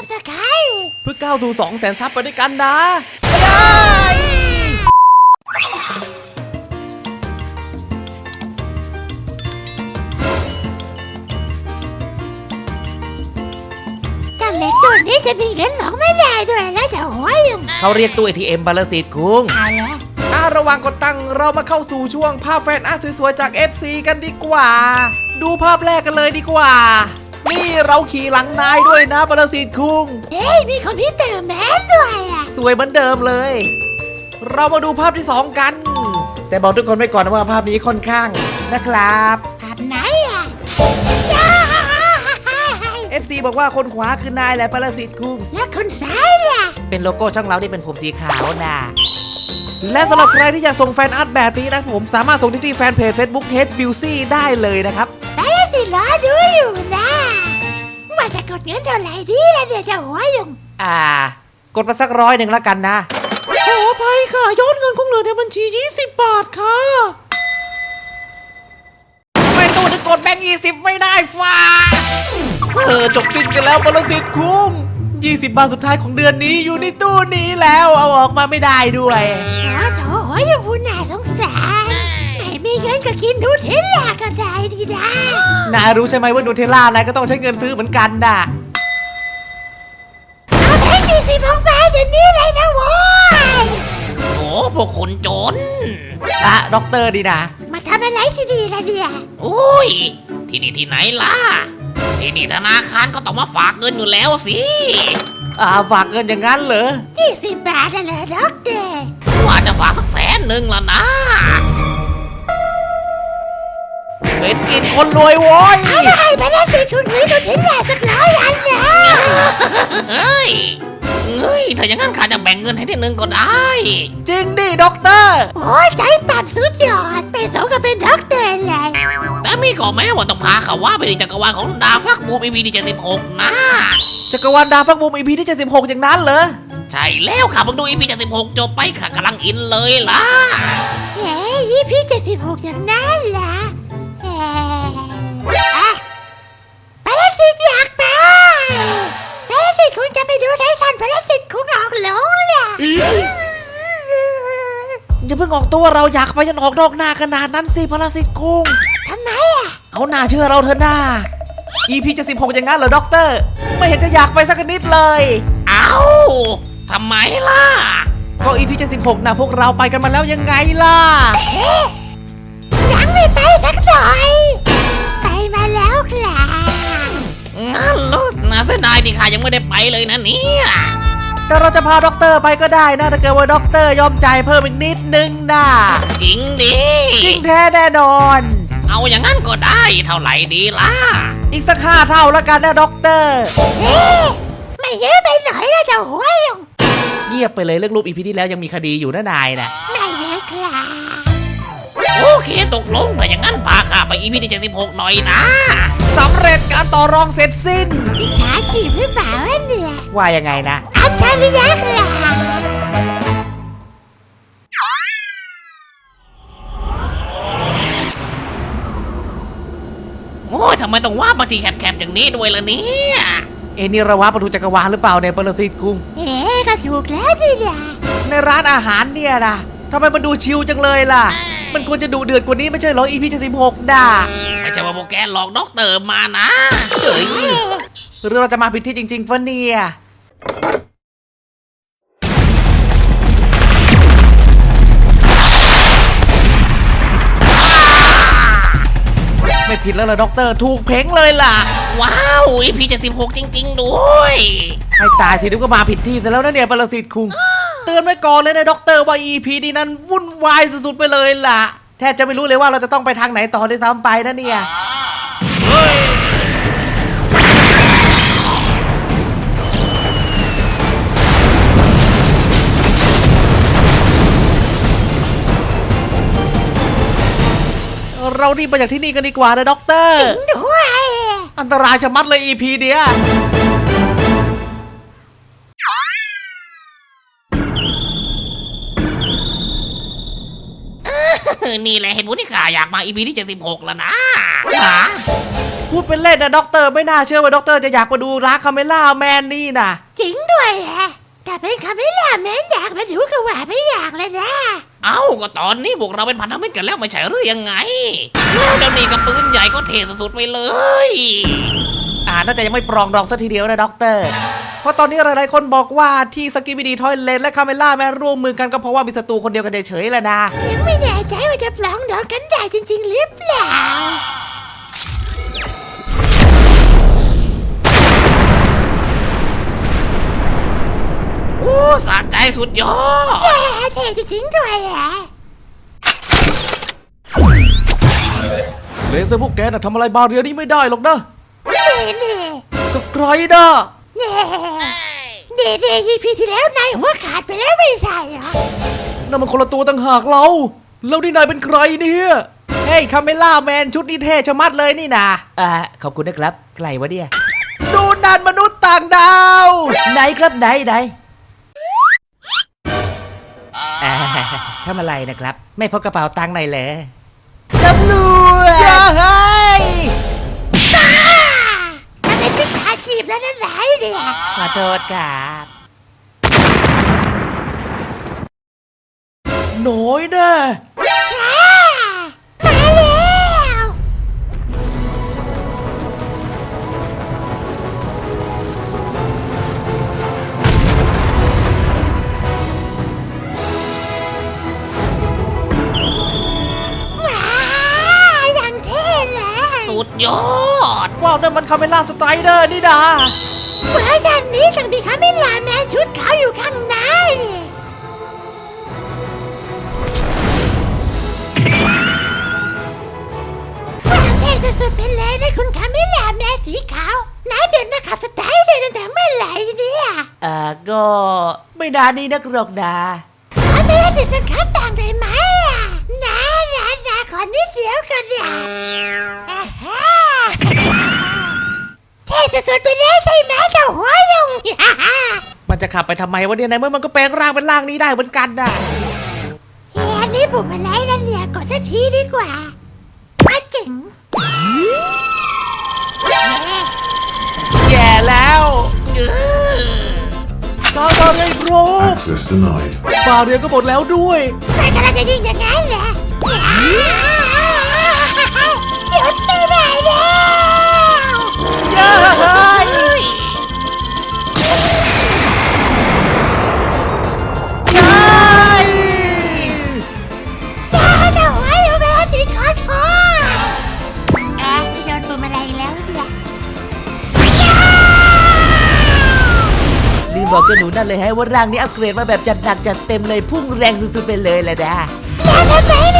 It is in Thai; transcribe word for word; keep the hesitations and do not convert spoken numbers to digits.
บสไครต์เพื่อก้าวสู่สองแสนซับไปด้วยกันนะเจ้าเล็กตัวนี้จะมีเงินหลอกไม่ได้ด้วยนะเจ้าหัวยุงเขาเรียกตู้ เอ ที เอ็ม บาลสิทธิ์คุ้งอะไรระหว่างกดตังค์เรามาเข้าสู่ช่วงภาพแฟนอาร์ตสวยๆจาก เอฟ ซี กันดีกว่าดูภาพแรกกันเลยดีกว่านี่เราขี่หลังนายด้วยนะบาลสิทธิ์คุ้งเฮ้ยมีคอมพิวเตอร์แมนด้วยอ่ะสวยเหมือนเดิมเลย เรามาดูภาพที่สองกัน แต่บอกทุกคนไว้ก่อนนะว่าภาพนี้ค่อนข้างนะครับภาพไหนอ่ะเอฟ ซี บอกว่าคนขวาคือนายแหละบาลสิทธิ์คุ้งแล้วคนซ้ายล่ะเป็นโลโก้ช่องเราที่เป็นผมสีขาวนะและสำหรับใครที่อยากส่งแฟนอาร์ตแบบนี้นะผมสามารถส่งที่ที่แฟนเพจ Facebook Hate Beauty ได้เลยนะครับไปเลยสิรอดูอยู่นะว่าจะกดเงินเท่าไหร่ดีล่ะเนี่ยเจ้าหัวยุงอ่ากดมาสักร้อยหนึ่งละกันนะขออภัยค่ะยอดเงินคงเหลือในบัญชียี่สิบบาทค่ะไม่ตู้จะกดแบงค์ยี่สิบไม่ได้ฟ้าเออจบสิ้นกันแล้วบริษัทคุ้มยี่สิบบาทสุดท้ายของเดือนนี้อยู่ในตู้นี้แล้วเอาออกมาไม่ได้ด้วยโถโถหัวยุงผู้น่าสงสารไม่มีเงินก็กินนูเทลล่าก็ได้ดีนะนายรู้ใช่ไหมว่านูเทลล่านายก็ต้องใช้เงินซื้อเหมือนกันน่ะเอาแบงค์ยี่สิบของแม่เดี๋ยวนี้เลยนะโว้ยโอ้พวกคนจนอะด็อกเตอร์ดีนะมาทำอะไรที่ดีล่ะเนี่ยโอ้ยที่นี่ที่ไหนล่ะที่นี่ธนาคารก็ต้องมาฝากเงินอยู่แล้วสิอ่าฝากเงินอย่างนั้นเหรอยี่สิบบาทน่ะเหรอด็อกเตอร์ว่าจะฝากสักแสนหนึ่งละนะเป็นกินคนรวยโว้ยเอามาให้ไปแล้วสิคุณวินูเทลล่าสักร้อยอันนะเฮ้ยเฮ้ยถ้าอย่างนั้นข้าจะแบ่งเงินให้ที่หนึ่งก็ได้จริงดิด็อกเตอร์โอ้ยใจปั่นสุดยอดไปสมกับเป็นด็อกเตอร์เลยแต่มีก่อแม้ว่าต้องพาเขาว่าไปในจักรวาลของดาฟักบูม อี พี ที่เจ็ดสิบหกนะจักรวาลดาฟักบูม อี พี ที่เจ็ดสิบหกอย่างนั้นเหรอใช่แล้วค่ะเพิ่งดู อี พี เจ็ดสิบหกจบไปค่ะกำลังอินเลยล่ะเฮ้ย อี พี เจ็ดสิบหกอย่างนั้นล่ะเฮ้ยไปแล้วสิอยากไปไปแล้วสิคุณจะไปดูไททันไปแล้วสิคุณออกหลงเลยอย่าเพิ่งออกตัวเราอยากไปจนออกนอกหน้าขนาดนั้นสิพลสิทธิ์กุ้งทำไมอ่ะเอาหน้าเชื่อเราเถอะหน้า อี พี เจ็ดสิบหกอย่างนั้นเหรอด็อกเตอร์ไม่เห็นจะอยากไปสักนิดเลยเอ้าทำไมล่ะก็ อี พี เจ็ดสิบหกนะพวกเราไปกันมาแล้วยังไงล่ะเอ๊ะยังไม่ไปสักหน่อยไปมาแล้วครับงั้นลูกน่าเสียดายที่ข้ายังไม่ได้ไปเลยนะเนี่ยแต่เราจะพาด็อกเตอร์ไปก็ได้นะถ้าเกิดว่าด็อกเตอร์ยอมจ่ายเพิ่มอีกนิดนึงนะจริงดิจริงแท้แน่นอนเอาอย่างนั้นก็ได้เท่าไหร่ดีล่ะอีกสักห้าเท่าแล้วกันนะด็อกเตอร์เฮ้ไม่เยอะไปหน่อยนะเจ้าหัวยุงเงียบไปเลยเรื่องรูป อี พี ที่แล้วยังมีคดีอยู่นะนายนะไม่เยอะครับโอเคตกลงแต่อย่างนั้นพาข้าไป อี พี ที่เจ็ดสิบหกหน่อยนะสำเร็จการต่อรองเสร็จสิ้นมิจฉาชีพหรือเปล่าเนี่ยว่ายังไงนะอัจฉริยะครับโอ้ยทำไมต้องว่ามาที่แคบๆอย่างนี้ด้วยล่ะเนี่ยเอ็นี่ระวะประตูจักรวาลหรือเปล่าเนี่ยปรสิตกุ้งเอ๊ก็ถูกแล้วสิเนี่ยในร้านอาหารเนี่ยนะทำไมมันดูชิลจังเลยล่ะมันควรจะดูเดือดกว่านี้ไม่ใช่เหรอ อี พี เจ็ดสิบหกด่าไม่ใช่ว่าโปรแกรมหลอกด็อกเตอร์มานะเจ๋ยหรือเราจะมาผิดที่จริงๆฟะเนี่ยไม่ผิดแล้วล่ะด็อกเตอร์ถูกเพ่งเลยล่ะว้าว อี พี เจ็ดสิบหกจริงๆด้วยให้ตายสินึกว่ามาผิดที่แต่แล้วนะเนี่ยปรสิตคุงเตือนไว้ก่อนเลยนะด็อกเตอร์ว่า อี พี นี้นั้นวุ่นวายสุดๆไปเลยล่ะแทบจะไม่รู้เลยว่าเราจะต้องไปทางไหนต่อด้วยซ้ำไปนะเนี่ยเรารีบไปจากที่นี่กันดีกว่านะด็อกเตอร์ด้วยอันตรายชะมัดเลย อี พี เนี้ยนี่แหละเหตุผลที่ข้าอยากมา อี พี ที่เจ็ดสิบหกแล้วนะพพูดเป็นเล่นนะด็อกเตอร์ไม่น่าเชื่อว่าด็อกเตอร์จะอยากมาดูร้านคาเมล่าแมนนี่นะจริงด้วยแหละแต่เป็นคาเมล่าแมนอยากมาดูก็ว่าไม่อยากเลยนะเอ้าก็ตอนนี้พวกเราเป็นพันธมิตรกันแล้วไม่ใช่หรือยังไงแล้วเจ้านี่กับปืนใหญ่ก็เทสุดๆไปเลยอ่าน่าจะยังไม่ปรองดองสักทีเดียวนะด็อกเตอร์เพราะตอนนี้หลายๆคนบอกว่าที่สกิบิดีทอยเลนและคาเมล่าแมนร่วมมือกันก็เพราะว่ามีศัตรูคนเดียวกันเฉยๆแหละนะยังไม่แน่ใจว่าจะปลองดองกันได้จริงๆหรือเปล่าอู้สะใจสุดยอดแหมเท่จริงๆด้วยแหละเลเซอร์พวกแกน่ะทำอะไรบาเรียนี้ไม่ได้หรอกนะเน่เน่ก็ไกลนะเน่เน่เน่ยีพีที่แล้วนายหัวขาดไปแล้วไม่ใช่เหรอนั่นมันคนละตัวต่างหากเราแล้วนี่นายเป็นใครเนี่ยเฮ้ยคาเมล่าแมนชุดนี้เท่ชะมัดเลยนี่นะอ่าขอบคุณนะครับใครวะเนี่ยดูนันมนุษย์ต่างดาวไหนครับไหนไหนอ่าทำอะไรนะครับ ไม่พกกระเป๋าตังค์หน่อยเลยตำรวจอย่าให้บ้ามันเป็นวิชาชีพแล้วนั่นไหนเนี่ยขอโทษครับน้อยแน่อ่ามาแล้ว ว้าวอย่างเท่เลยสุดยอดว้าวนั่นมันคาเมล่าสไตรเดอร์นี่ดาเวอร์ชันนี้ต้องมีคาเมล่าแมนชุดขาวอยู่ข้างในความเท่สุดๆไปเลยนะคุณคาเมล่าแมนสีขาวนายเป็นนักขับสไตล์เลยตั้งแต่เมื่อไหร่เนี่ยเอ่อก็ไม่นานนี้นักหรอกนะขอไม่ได้สิทธิ์เป็นขับบ้างได้ไหมอ่ะนะนะนะขอนิดเดียวกันเนี่ยอ่าฮะเท่สุดๆไปเลยใช่ไหมเจ้าหัวยุงมันจะขับไปทำไมวะเนี่ยในเมื่อมันก็แปลงร่างเป็นร่างนี้ได้เหมือนกันน่ะเฮ้ยอันนี้ปุ่มอะไรนั่นเนี่ยกดสักทีดีกว่าอาเจ๋งเฮ้ยแย่แล้วเออกาบาเรียโร Access denied. บาเรียก็หมดแล้วด้วยมันกำลังจะยิงอย่างนั้นเหรอหยุดไม่ได้แล้วเย้ยเฮ้ยเย้ยจ้าเจ้าหัวยุงไปแล้วสิขอโทษเอ๊ะโดนปุ่มอะไรอีกแล้วเนี่ยลืมบอกเจ้าหนูนั่นเลยให้ว่าร่างนี้อัปเกรดมาแบบจัดหนักจัดเต็มเลยพุ่งแรงสุดๆไปเลยแหละนะอย่าทำไม